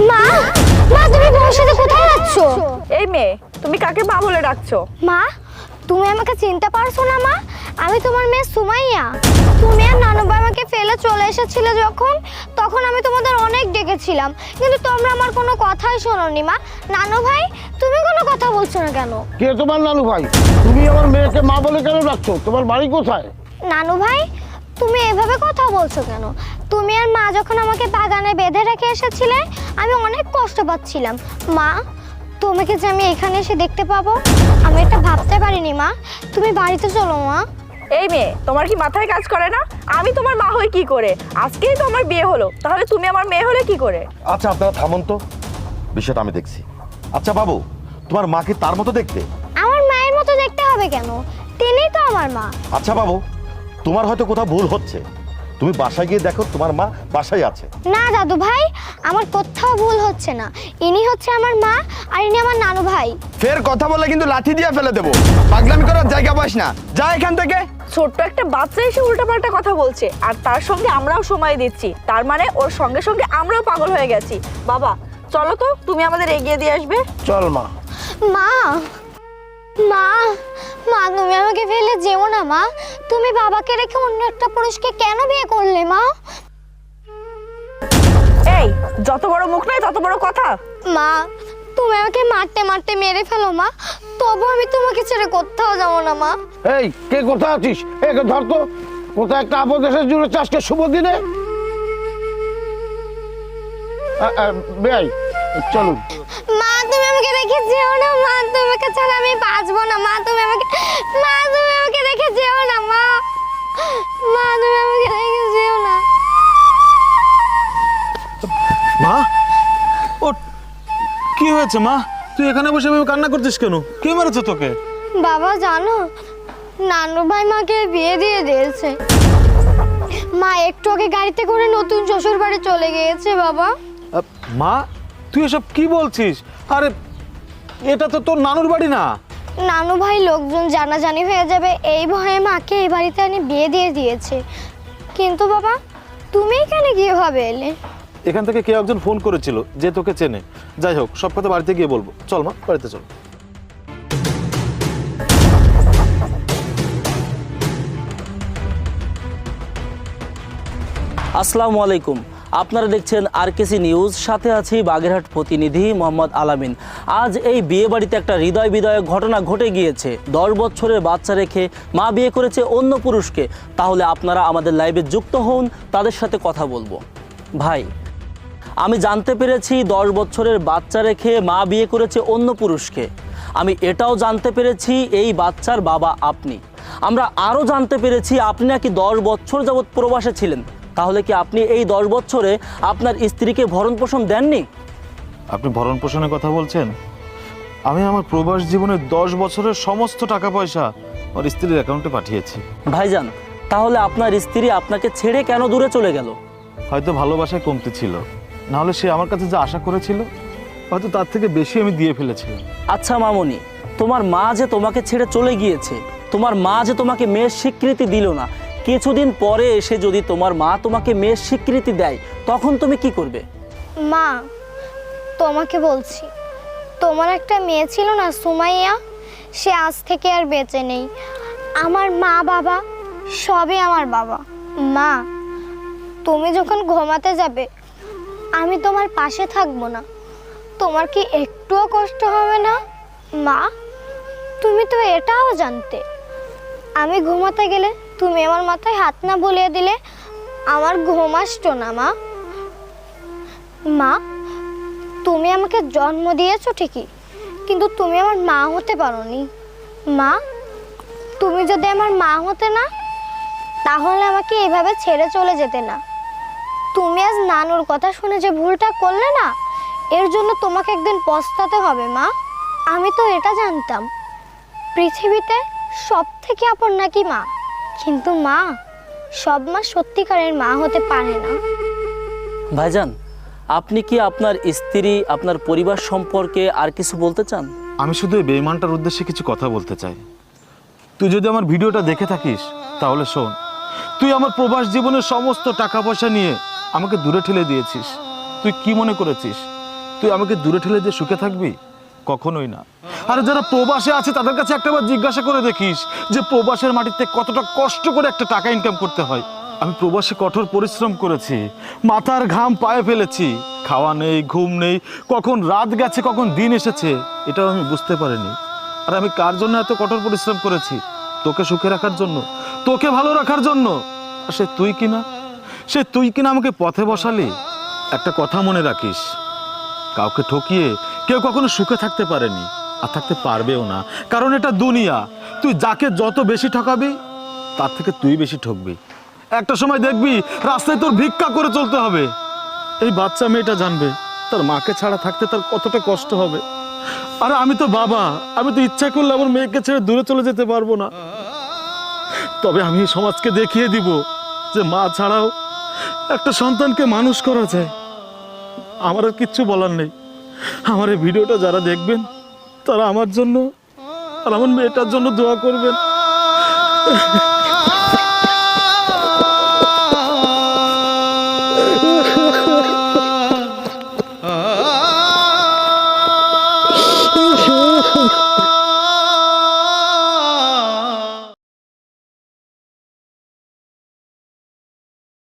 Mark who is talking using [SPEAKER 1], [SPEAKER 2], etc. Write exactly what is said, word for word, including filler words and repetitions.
[SPEAKER 1] মা মা তুমি বউর সাথে কোথায় যাচ্ছ?
[SPEAKER 2] এই মেয়ে, তুমি কাকে মা বলে ডাকছো?
[SPEAKER 1] মা তুমি আমাকে চিনতে পারছো না মা? আমি তোমার মেয়ে সুমাইয়া। তুমি আর নানু ভাই আমাকে ফেলে চলে এসেছিলে যখন, তখন আমি তোমাদের অনেক ডেকেছিলাম, কিন্তু তোমরা আমার কোনো কথাই শোনোনি মা। নানু ভাই তুমি কোনো কথা বলছো না কেন?
[SPEAKER 3] কে তোমার নানু ভাই? তুমি আমার মেয়েকে মা বলে কেন ডাকছো? তোমার বাড়ি কোথায়?
[SPEAKER 1] নানু ভাই তুমি এভাবে কথা বলছো কেন? তুমি আর মা যখন আমাকে বাগানে বেঁধে রেখে এসেছিলে, আমি অনেক কষ্ট পাচ্ছিলাম। মা তোমাকে যে আমি এখানে এসে দেখতে পাবো, আমি এটা ভাবতে পারিনি মা। তুমি বাড়িতে চলো মা।
[SPEAKER 2] এই মেয়ে, তোমার কি মাথায় কাজ করে না? আমি তোমার মা হই কি করে? আজকেই তো আমার বিয়ে হলো, তাহলে তুমি আমার মেয়ে হলে কি করে?
[SPEAKER 4] আচ্ছা আপনারা থামুন তো, বিষয়টা আমি দেখছি। আচ্ছা বাবু, তোমার মা কি তার মতো দেখতে?
[SPEAKER 1] আমার মায়ের মতো দেখতে হবে কেন? তিনিই তো আমার মা।
[SPEAKER 4] আচ্ছা বাবু, তোমার হয়তো কোথাও ভুল হচ্ছে, তুমি বাসায় গিয়ে দেখো তোমার মা বাসায় আছে।
[SPEAKER 1] না দাদু ভাই, আমার কোথাও ভুল হচ্ছে না। ইনি হচ্ছে আমার মা আর ইনি আমার নানু ভাই।
[SPEAKER 5] ফের কথা বলে কিন্তু লাঠি দিয়ে ফেলে দেবো। পাগলামি করার জায়গা পাস না, যা এখান থেকে।
[SPEAKER 2] ছোট্ট একটা বাচ্চা এসে উল্টাপাল্টা কথা বলছে, আর তার সঙ্গে আমরাও সময় দিচ্ছি, তার মানে ওর সঙ্গে সঙ্গে আমরাও পাগল হয়ে গেছি। বাবা চলো তো, তুমি আমাদের এগিয়ে দিয়ে আসবে।
[SPEAKER 3] চল মা।
[SPEAKER 1] মা মা মা তুমি আমাকে ফেলে যেও না মা। তুমি বাবাকে রেখে অন্য একটা পুরুষকে কেন বিয়ে করলে মা?
[SPEAKER 2] এই যত বড় মুখ নয় তত বড় কথা।
[SPEAKER 1] মা তুমি আমাকে মারতে মারতে মেরে ফেলো মা, তবু আমি তোমাকে ছেড়ে কোথাও যাবো না মা।
[SPEAKER 3] এই কে কোথায় আছিস? একে ধর তো। কোথায় একটা আপদ এসে জুড়ে চাষকে শুভ দিনে। বেআই চলুন।
[SPEAKER 1] মা তুমি আমাকে রেখে যেও না মা, তোমাকে ছাড়া আমি বাঁচবো না মা। তুমি আমাকে মা তুমি আমাকে রেখে যেও না মা। মা তুমি আমাকে রেখে যেও না।
[SPEAKER 6] মা, ও কি হয়েছে মা? তুই এখানে বসে এভাবে কান্না করছিস কেন? কে মেরেছে তোকে?
[SPEAKER 1] বাবা জানো, নানু ভাই মাকে বিয়ে দিয়ে দিয়েছে। মা একটু আগে গাড়িতে করে নতুন শ্বশুর বাড়ি চলে গিয়েছে বাবা।
[SPEAKER 6] আ, মা তুই এসব কি বলছিস? আরে এটা তো তোর নানুর বাড়ি না।
[SPEAKER 1] নানু ভাই লোকজন জানাজানি হয়ে যাবে এই ভয়ে মাকে এই বাড়িতে এনে বিয়ে দিয়ে দিয়েছে। কিন্তু বাবা তুমি এখানে কিভাবে এলে?
[SPEAKER 6] এখান থেকে কে একজন ফোন করেছিল যে তোকে চেনে। যাই হোক, সব কথা বাড়িতে গিয়ে বলবো। চল মা, বাড়িতে চল।
[SPEAKER 7] আসসালামু আলাইকুম, আপনারা দেখছেন আরকেসি নিউজ, সাথে আছি বাগেরহাট প্রতিনিধি মোহাম্মদ আলামিন। আজ এই বিয়ে বাড়িতে একটা হৃদয় বিদয়ক ঘটনা ঘটে গিয়েছে। দশ বছরের বাচ্চা রেখে মা বিয়ে করেছে অন্য পুরুষকে। তাহলে আপনারা আমাদের লাইভে যুক্ত হন, তাদের সাথে কথা বলবো। ভাই, আমি জানতে পেরেছি দশ বছরের বাচ্চা রেখে মা বিয়ে করেছে অন্য পুরুষকে। আমি এটাও জানতে পেরেছি এই বাচ্চার বাবা আপনি। আমরা আরও জানতে পেরেছি আপনি নাকি দশ বছর যাবৎ প্রবাসে ছিলেন। তাহলে কি আপনি এই দশ বছরে আপনার স্ত্রীকে ভরণ পোষণ দেননি?
[SPEAKER 6] আপনি ভরণ পোষণের কথা বলছেন? আমি আমার প্রবাস জীবনের দশ বছরের সমস্ত টাকা পয়সা ওর স্ত্রীর অ্যাকাউন্টে পাঠিয়েছি।
[SPEAKER 7] ভাইজান, তাহলে আপনার স্ত্রী আপনাকে ছেড়ে কেন দূরে চলে গেল?
[SPEAKER 6] হয়তো ভালোবাসায় কমতি ছিল, নাহলে সে আমার কাছে যা আশা করেছিল হয়তো তার থেকে বেশি আমি দিয়ে ফেলেছিলাম।
[SPEAKER 7] আচ্ছা মামনি, তোমার মা যে তোমাকে ছেড়ে চলে গিয়েছে, তোমার মা যে তোমাকে মেয়ের স্বীকৃতি দিল না, কিছুদিন পরে এসে যদি তোমার মা তোমাকে মেয়ের স্বীকৃতি দেয়, তখন তুমি কি করবে?
[SPEAKER 1] মা তোমাকে বলছি, তোমার একটা মেয়ে ছিল না সুমাইয়া, সে আজ থেকে আর বেঁচে নেই। আমার মা বাবা সবই আমার বাবা। মা তুমি যখন ঘুমাতে যাবে আমি তোমার পাশে থাকবো না, তোমার কি একটুও কষ্ট হবে না? মা তুমি তো এটাও জানতে আমি ঘুমাতে গেলে তুমি আমার মাথায় হাত না বুলিয়ে দিলে আমার ঘুম আসতো না। মা মা তুমি আমাকে জন্ম দিয়েছো ঠিকই, কিন্তু তুমি আমার মা হতে পারোনি। মা তুমি যদি আমার মা হতে না, তাহলে আমাকে এভাবে ছেড়ে চলে যেতে না। তুমি আজ নানুর কথা শুনে যে ভুলটা করলে না, এর জন্য তোমাকে একদিন পস্তাতে হবে। মা আমি তো এটা জানতাম পৃথিবীতে সব থেকে আপন নাকি মা, কিন্তু মা সব মা সত্যিকারের মা হতে পারে না।
[SPEAKER 7] ভাইজান, আপনি কি আপনার স্ত্রী, আপনার পরিবার সম্পর্কে আর কিছু বলতে চান?
[SPEAKER 6] আমি শুধু এই বেঈমানটার উদ্দেশ্যে কিছু কথা বলতে চাই। তুই যদি আমার ভিডিওটা দেখে থাকিস তাহলে শোন, তুই আমার প্রবাস জীবনের সমস্ত টাকা পয়সা নিয়ে আমাকে দূরে ঠেলে দিয়েছিস। তুই কি মনে করেছিস তুই আমাকে দূরে ঠেলে দিয়ে সুখে থাকবি? কখনোই না। আর যারা প্রবাসে আছে তাদের কাছে একটাবার জিজ্ঞাসা করে দেখিস যে প্রবাসের মাটিতে কতটা কষ্ট করে একটা টাকা ইনকাম করতে হয়। আমি প্রবাসে কঠোর পরিশ্রম করেছি, মাথার ঘাম পায়ে ফেলেছি, খাওয়া নেই, ঘুম নেই, কখন রাত গেছে কখন দিন এসেছে এটাও আমি বুঝতে পারিনি। আর আমি কার জন্য এত কঠোর পরিশ্রম করেছি? তোকে সুখে রাখার জন্য, তোকে ভালো রাখার জন্য। আর সে তুই কিনা সে তুই কিনা আমাকে পথে বসালি। একটা কথা মনে রাখিস, কাউকে ঠকিয়ে কেউ কখনো সুখে থাকতে পারেনি আর থাকতে পারবেও না, কারণ এটা দুনিয়া। তুই যাকে যত বেশি ঠকাবি তার থেকে তুই বেশি ঠকবি। একটা সময় দেখবি রাস্তায় তোর ভিক্ষা করে চলতে হবে। এই বাচ্চা মেয়েটা জানবে তার মাকে ছাড়া থাকতে তার কতটা কষ্ট হবে। আরে আমি তো বাবা, আমি তো ইচ্ছা করলে আমার মেয়েকে ছেড়ে দূরে চলে যেতে পারবো না। তবে আমি এই সমাজকে দেখিয়ে দিব যে মা ছাড়াও একটা সন্তানকে মানুষ করা যায়। আমার আর কিচ্ছু বলার নেই। আমার এই ভিডিওটা যারা দেখবেন তারা আমার জন্য আর আমার মেয়েটার জন্য দোয়া করবেন।